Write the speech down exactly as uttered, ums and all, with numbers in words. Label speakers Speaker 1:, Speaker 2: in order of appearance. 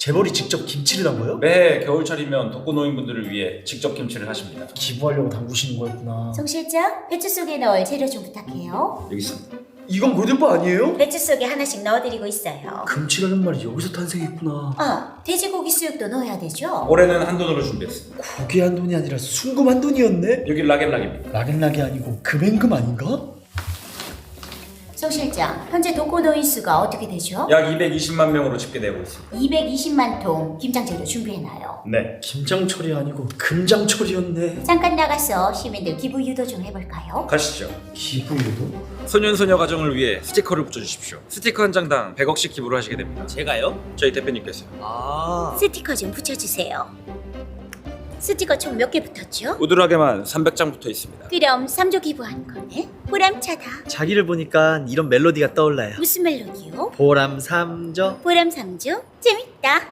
Speaker 1: 재벌이 직접 김치를 담궈요?
Speaker 2: 매해 겨울철이면 독거노인분들을 위해 직접 김치를 하십니다.
Speaker 1: 기부하려고 담그시는 거였구나.
Speaker 3: 송 실장, 배추 속에 넣을 재료 좀 부탁해요.
Speaker 2: 여기 있습니다.
Speaker 1: 이건 골든바 아니에요?
Speaker 3: 배추 속에 하나씩 넣어드리고 있어요.
Speaker 1: 금치라는 말이 여기서 탄생했구나.
Speaker 3: 아, 돼지고기 수육도 넣어야 되죠?
Speaker 2: 올해는 한돈으로 준비했습니다.
Speaker 1: 고기 한 돈이 아니라 순금 한 돈이었네?
Speaker 2: 여기 락앤락입니다.
Speaker 1: 락앤락이 아니고 금행금 아닌가?
Speaker 3: 송 실장, 현재 독거노인 수가 어떻게 되죠?
Speaker 2: 약 이백이십만 명으로 집계되고 있습니다.
Speaker 3: 이백이십만 통 김장 재료 준비해놔요.
Speaker 2: 네.
Speaker 1: 김장철이 아니고 금장철이었네.
Speaker 3: 잠깐 나가서 시민들 기부 유도 좀 해볼까요?
Speaker 2: 가시죠.
Speaker 1: 기부유도?
Speaker 2: 소년소녀 가정을 위해 스티커를 붙여주십시오. 스티커 한 장당 백억씩 기부를 하시게 됩니다.
Speaker 4: 제가요?
Speaker 2: 저희 대표님께서요.
Speaker 4: 아
Speaker 3: 스티커 좀 붙여주세요. 스티커 총 몇 개 붙었죠?
Speaker 2: 우드락에만 삼백 장 붙어 있습니다.
Speaker 3: 그럼 삼 조 기부한 거네? 보람차다.
Speaker 4: 자기를 보니까 이런 멜로디가 떠올라요.
Speaker 3: 무슨 멜로디요?
Speaker 4: 보람 삼 조
Speaker 3: 보람 삼 조? 재밌다.